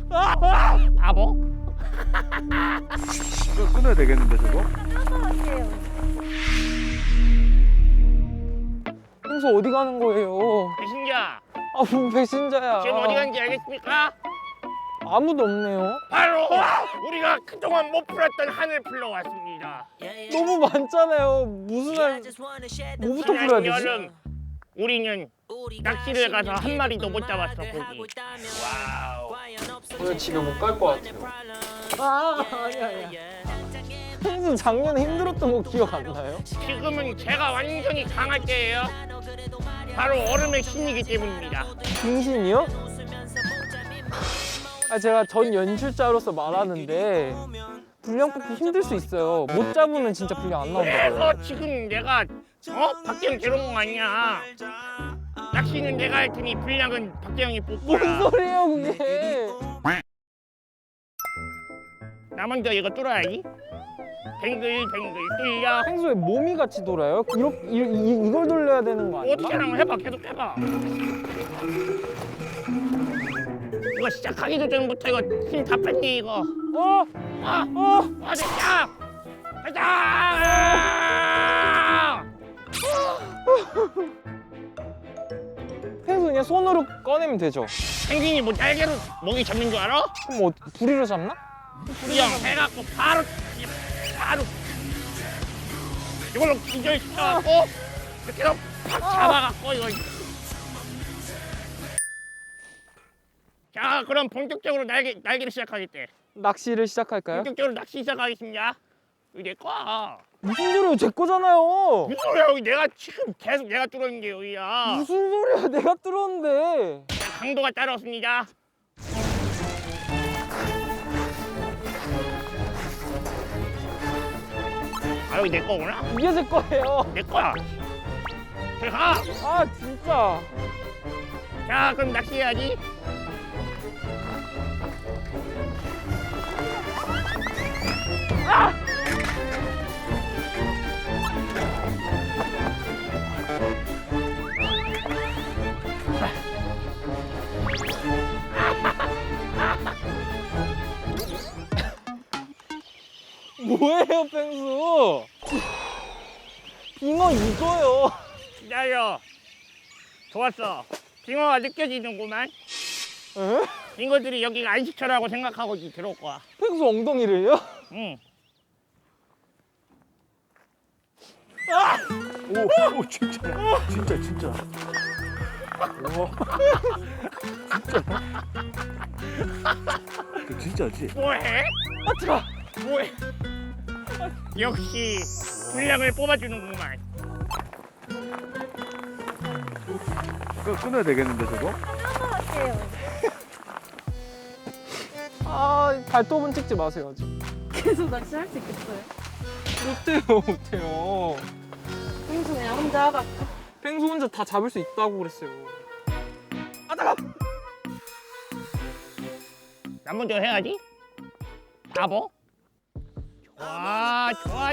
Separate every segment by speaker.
Speaker 1: 바보?
Speaker 2: 이거 끊어야 되겠는데 저거?
Speaker 3: 평소 어디 가는 거예요?
Speaker 1: 배신자,
Speaker 3: 아, 뭐 배신자야.
Speaker 1: 지금 어디 갔는지 알겠습니까?
Speaker 3: 아무도 없네요.
Speaker 1: 바로 우리가 그동안 못 풀었던 한을 풀러 왔습니다.
Speaker 3: 너무 많잖아요. 무슨 할, 뭐부터 풀어야 되지?
Speaker 1: 여름, 우리는 낚시를 가서 한 마리도 못 잡았어, 고기. 와우.
Speaker 3: 오늘 집에 못 갈 것 같아요. 아니야. 평소 작년에 힘들었던 거 기억 안 나요?
Speaker 1: 지금은 제가 완전히 강할 때예요. 바로 얼음의 신이기 때문입니다.
Speaker 3: 등신이요? 아, 제가 전 연출자로서 말하는데 분량 뽑기 힘들 수 있어요. 못 잡으면 진짜 분량 안 나온다고요.
Speaker 1: 그래서 지금 내가 박재영 데려온 거 아니야. 낚시는 내가 할 테니 분량은 박재영이
Speaker 3: 뭔
Speaker 1: 뽑거라.
Speaker 3: 소리예요 그게?
Speaker 1: 나 먼저 이거 뚫어야지. 뱅글뱅글 뚫려.
Speaker 3: 평소에 몸이 같이 돌아요? 이걸 돌려야 되는 거
Speaker 1: 어떻게
Speaker 3: 아닌가?
Speaker 1: 하면 해봐. 계속 해봐. 이거 시작하기도 전부터 이거 힘 다 뺐니 이거. 됐다. 됐다.
Speaker 3: 평소 그냥 손으로 꺼내면 되죠?
Speaker 1: 펭귄이 뭐 날개로 먹이 잡는 줄 알아?
Speaker 3: 그럼 뭐 부리로 잡나?
Speaker 1: 그냥 해갖고 바로 이걸로 기절시켜갖고 이렇게 해서 팍 잡아갖고 이거. 자, 그럼 본격적으로 날개를 시작하겠대.
Speaker 3: 낚시를 시작할까요?
Speaker 1: 본격적으로 낚시 시작하겠습니다. 이거 내 거야.
Speaker 3: 무슨 소리예요? 제 거잖아요.
Speaker 1: 무슨 소리야? 여기 내가 지금 계속 내가 뚫어있는 게 여기야.
Speaker 3: 무슨 소리야? 내가 뚫었는데.
Speaker 1: 자, 강도가 따라왔습니다. 아, 여기 내 거구나?
Speaker 3: 이게 제 거예요.
Speaker 1: 내 거야. 저기 가.
Speaker 3: 아 진짜.
Speaker 1: 자, 그럼 낚시해야지.
Speaker 3: 뭐예요, 펭수? 빙어 이거요.
Speaker 1: 기다려. 좋았어. 빙어가 느껴지는구만.
Speaker 3: 에?
Speaker 1: 빙어들이 여기가 안식처라고 생각하고 들어올 거야.
Speaker 3: 펭수 엉덩이를요?
Speaker 1: 응.
Speaker 2: 오 진짜. 우와. 그 진짜지?
Speaker 1: 뭐해?
Speaker 3: 아 뜨거.
Speaker 1: 뭐해? 역시 분량을 뽑아주는구만.
Speaker 2: 이거 끊어야 되겠는데 저거?
Speaker 3: 아 발톱은 찍지 마세요 아직.
Speaker 4: 계속 낚시할 수 있겠어요?
Speaker 3: 못해요.
Speaker 4: 평소 그냥 혼자 하다가
Speaker 3: 펭수 혼자 다 잡을 수 있다고 그랬어요. 아 잠깐.
Speaker 1: 나 먼저 해야지. 바보. 좋아.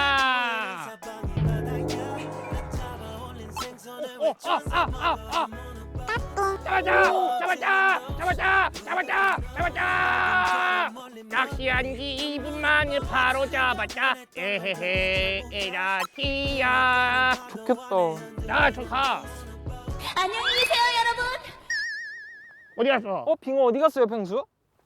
Speaker 1: 잡았다. 낚시한 지 2분 만에 바로 잡았다. 에헤헤 에라티야.
Speaker 3: 좋겠다.
Speaker 1: 나 좀 가.
Speaker 4: 안녕히 계세요 여러분.
Speaker 1: 어디 갔어?
Speaker 3: 빙어 어디 갔어요, 펭수?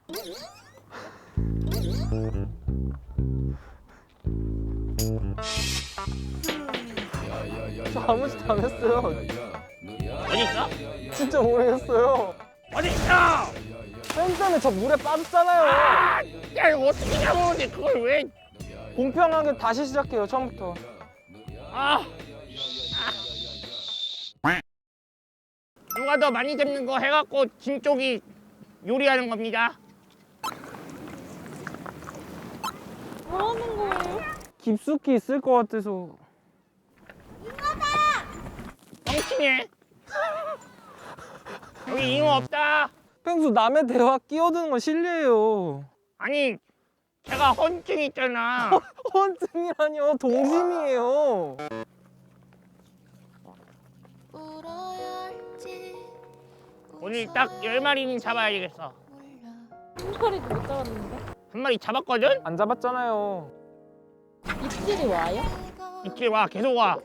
Speaker 3: 저 아무 짓도 안 했어요.
Speaker 1: 어디 있어?
Speaker 3: 진짜 모르겠어요.
Speaker 1: 어디 있어?
Speaker 3: 뺑 때문에 저 물에 빠졌잖아요.
Speaker 1: 야 이거 어떻게 잡았는데 그걸 왜?
Speaker 3: 공평하게 다시 시작해요, 처음부터.
Speaker 1: 아. 누가 더 많이 잡는 거 해갖고 진 쪽이 요리하는 겁니다.
Speaker 4: 뭐 하는 거예요?
Speaker 3: 깊숙이 있을 것 같아서.
Speaker 1: 뻥치네. 여기 잉어 없다.
Speaker 3: 펭수 남의 대화 끼어드는 건 실례예요.
Speaker 1: 아니 제가 헌증 있잖아.
Speaker 3: 헌증이라뇨, 동심이에요.
Speaker 1: 오늘 딱 10마리는 잡아야 되겠어.
Speaker 4: 한 마리도 못 잡았는데.
Speaker 1: 한 마리 잡았거든?
Speaker 3: 안 잡았잖아요.
Speaker 4: 입질이 와요?
Speaker 1: 이끼 와, 계속 와.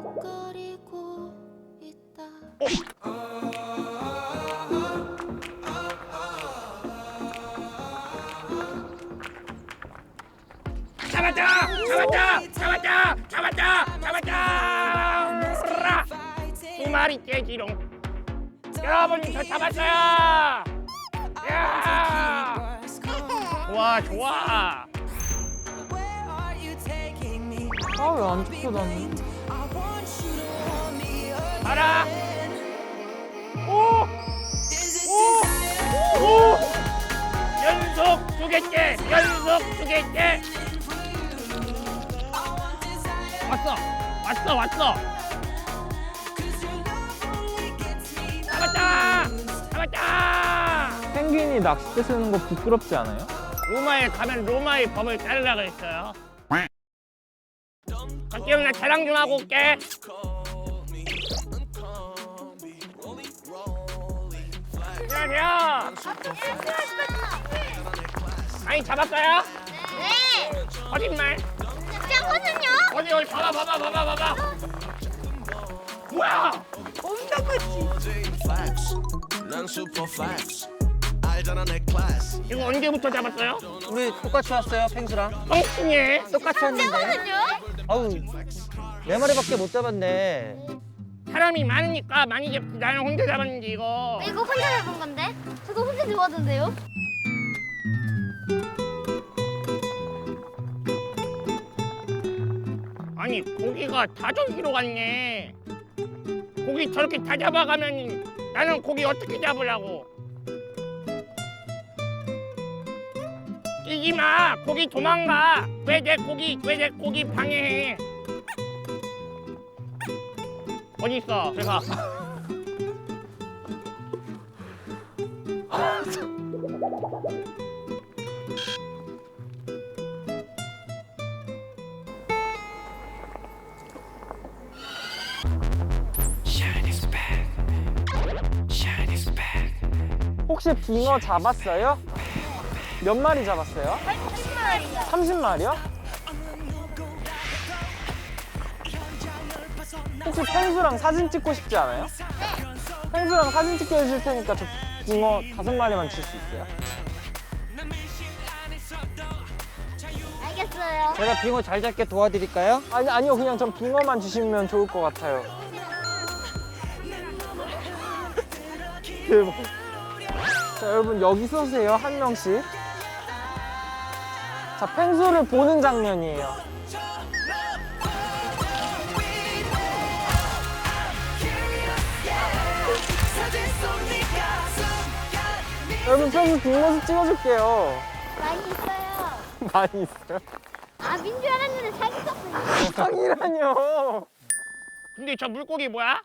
Speaker 1: 잡았다! 잡았다! 잡았다! 잡았다! 잡았다! 으라! 두 마리 깨지롱. 여러분, 저 잡았어요! 야! 좋아, 좋아.
Speaker 3: 아 왜 안 쫓겨다니?
Speaker 1: 가라! 오! 오! 오! 연속 두 개째! 연속 두 개째! 왔어! 왔어! 왔어! 잡았다! 잡았다!
Speaker 3: 펭귄이 낚싯대 쓰는 거 부끄럽지 않아요?
Speaker 1: 로마에 가면 로마의 법을 따르라 그랬어요. 박기영, 나 자랑 좀 하고 올게. 안녕하세요. 많이 잡았어요?
Speaker 5: 네!
Speaker 1: 거짓말.
Speaker 5: 짱거든요?
Speaker 1: 어디 봐봐. 뭐야?
Speaker 6: 난 슈퍼 팩스 알잖아 내 클래스
Speaker 1: 이거 언제부터 잡았어요?
Speaker 7: 우리 똑같이 왔어요, 펭수랑.
Speaker 1: 뻥치네.
Speaker 7: 똑같이 왔는데.
Speaker 5: 짱거든요?
Speaker 7: 아우, 4마리밖에 못 잡았네.
Speaker 1: 사람이 많으니까 많이 잡지. 나는 혼자 잡았는데 이거.
Speaker 5: 이거 혼자 잡은 건데? 저도 혼자 좋아하던데요?
Speaker 1: 아니 고기가 다 저기로 갔네. 고기 저렇게 다 잡아가면 나는 고기 어떻게 잡으려고? 뛰지 마. 고기 도망가. 왜 내 고기 방해해? 어디 있어? 제가.
Speaker 3: 혹시 빙어 잡았어요? 몇 마리 잡았어요? 30마리요? 혹시 펭수랑 사진 찍고 싶지 않아요? 펭수랑 사진 찍게 해줄 테니까 저 빙어 5마리만 줄 수 있어요?
Speaker 5: 알겠어요.
Speaker 7: 제가 빙어 잘 잡게 도와드릴까요?
Speaker 3: 아니요, 그냥 전 빙어만 주시면 좋을 것 같아요. 대박. 자, 여러분 여기 서세요, 한 명씩. 자, 펭수를 보는 장면이에요. 여러분 펭수 뒷모습 찍어줄게요.
Speaker 5: 많이 있어요.
Speaker 3: 많이 있어요?
Speaker 5: 아, 민줄 알았는데 사기 떴어요.
Speaker 3: 사기라뇨.
Speaker 1: 근데 저 물고기 뭐야?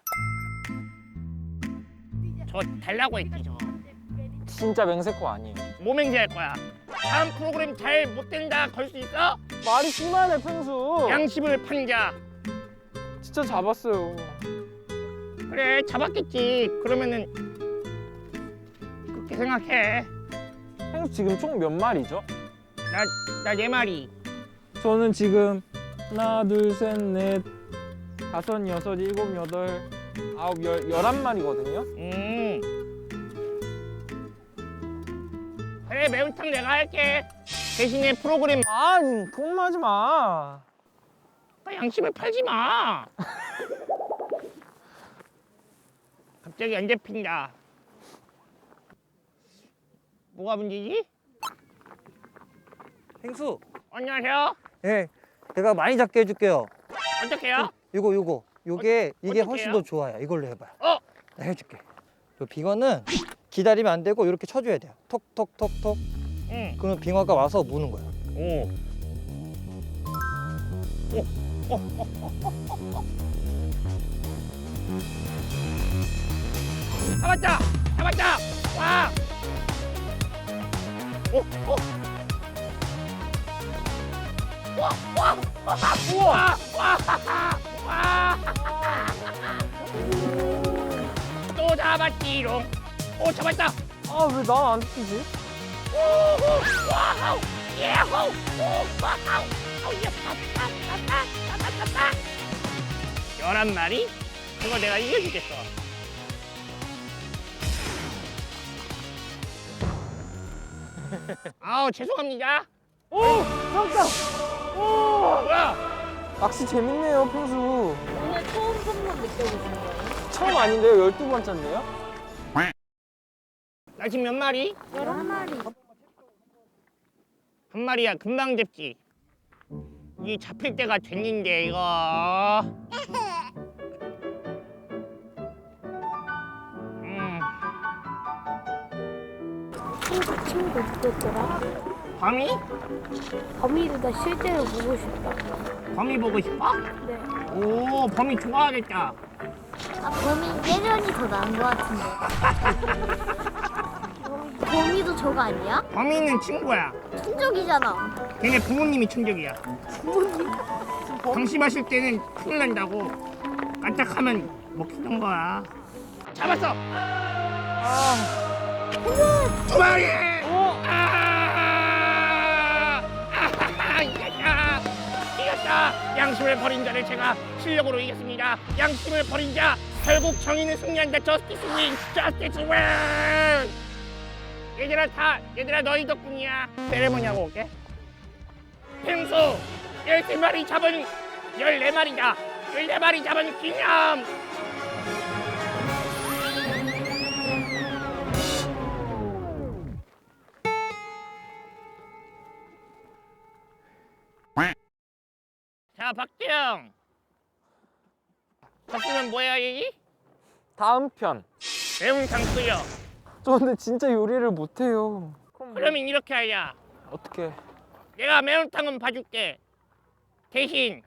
Speaker 1: 저 달라고 했지 저.
Speaker 3: 진짜 맹세코 아니에요.
Speaker 1: 뭐 맹세할 거야? 다음 프로그램 잘 못 된다 걸 수 있어?
Speaker 3: 말이 심하네, 펭수.
Speaker 1: 양심을 판자.
Speaker 3: 진짜 잡았어요.
Speaker 1: 그래 잡았겠지. 그러면은 그렇게 생각해.
Speaker 3: 펭수 지금 총 몇 마리죠?
Speaker 1: 나 4마리.
Speaker 3: 저는 지금 하나, 둘, 셋, 넷, 다섯, 여섯, 일곱, 여덟, 아홉, 11마리거든요.
Speaker 1: 그래 매운탕 내가 할게. 대신에 프로그램
Speaker 3: 통마지 마.
Speaker 1: 양심을 팔지 마. 갑자기 안 잡힌다. 뭐가 문제지?
Speaker 7: 펭수,
Speaker 1: 안녕하세요.
Speaker 7: 예, 내가 많이 잡게 해줄게요.
Speaker 1: 어떡해요?
Speaker 7: 요게 이게 훨씬
Speaker 1: 어떡해요?
Speaker 7: 더 좋아요. 이걸로 해봐요. 내가 해줄게. 요 빙어는 기다리면 안 되고 이렇게 쳐줘야 돼요. 톡톡톡톡.
Speaker 1: 응.
Speaker 7: 그러면 빙어가 와서 무는 거예요.
Speaker 1: 오. 잡았다! 잡았다! 와! 와! 와! 우와! 와! 와! 또 잡았지롱. 오, 잡았다!
Speaker 3: 아, 왜 나 안 뛰지?
Speaker 1: 오호 와우 예호 와우 예 11마리? 그거 내가 이겨주겠어. 아우 죄송합니다.
Speaker 3: 오! 깜짝! 오!
Speaker 1: 뭐야?
Speaker 3: 낚시 재밌네요, 평수.
Speaker 4: 오늘 처음 선물 느껴보신 거예요?
Speaker 3: 처음 아닌데요? 12번째인데요?
Speaker 1: 나 지금 몇 마리?
Speaker 5: 11마리.
Speaker 1: 한 마리야 금방 잡지. 이 잡힐 때가 됐는데 이거.
Speaker 5: 친구 누구였더라?
Speaker 1: 범이?
Speaker 5: 범이를 나 실제로 보고 싶다.
Speaker 1: 범이 보고 싶어?
Speaker 5: 네.
Speaker 1: 오 범이 좋아하겠다.
Speaker 5: 아, 범이 예전이 더 나은 것 같은데. 범이도 저거 아니야?
Speaker 1: 범이는 친구야.
Speaker 5: 천적이잖아.
Speaker 1: 걔네 부모님이 천적이야. 방심하실 때는 큰일 난다고. 깜짝하면 먹히는 거야. 잡았어. 두 마리. 이겼다. 이겼다. 양심을 버린 자를 제가 실력으로 이겼습니다. 양심을 버린 자 결국 정의는 승리한다. 저스티스 윈. 저스티스 윈. 얘들아 너희 덕분이야. 세레모니 하고 올게. 펭수 13마리 잡은 14마리다. 14마리 잡은 기념. 자 박재영. 졌으면 뭐야 이?
Speaker 3: 다음 편.
Speaker 1: 매운탕 끓여.
Speaker 3: 저 근데 진짜 요리를 못해요.
Speaker 1: 그러면 이렇게 하자.
Speaker 3: 어떻게?
Speaker 1: 내가 매운탕은 봐줄게. 대신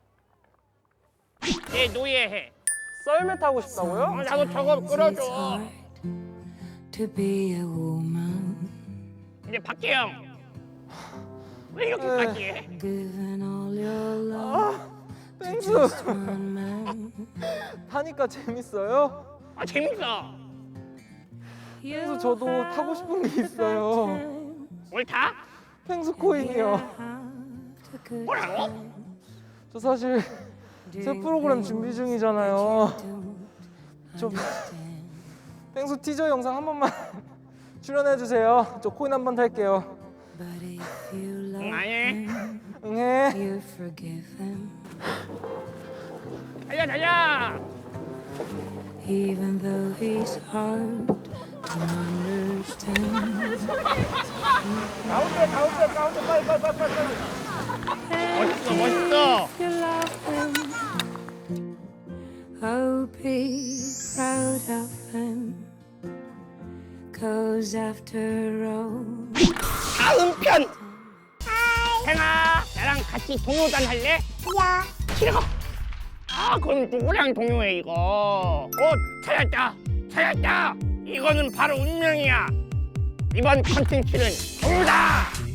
Speaker 1: 내 노예해.
Speaker 3: 썰매 타고 싶다고요?
Speaker 1: 나도 저거 끌어줘.
Speaker 8: To be a woman,
Speaker 1: 근데 박재영 왜 이렇게까지 해?
Speaker 8: given all your love
Speaker 3: 펭수!
Speaker 8: to one man.
Speaker 3: 타니까 재밌어요?
Speaker 1: 아 재밌어.
Speaker 3: 펭수 저도 타고 싶은 게 있어요.
Speaker 1: 뭘 타?
Speaker 3: 펭수 코인이요.
Speaker 1: 뭐라고?
Speaker 3: 저 사실 새 프로그램 준비 중이잖아요. 좀 펭수 티저 영상 한 번만 출연해 주세요. 저 코인 한 번 탈게요.
Speaker 8: But if you love
Speaker 1: 응 안 해.
Speaker 8: him,
Speaker 3: 응해.
Speaker 8: you forgive him,
Speaker 1: 달려.
Speaker 8: even though he's hard to understand.
Speaker 1: 멋있어.
Speaker 8: You love him, oh, be proud of him, 'cause after all,
Speaker 1: 다음 편. 행아 나랑 같이 동요단 할래?
Speaker 5: 야.
Speaker 1: 싫어. 아 그럼 누구랑 동요해 이거? 찾았다. 이거는 바로 운명이야. 이번 컨텐츠는 동요다.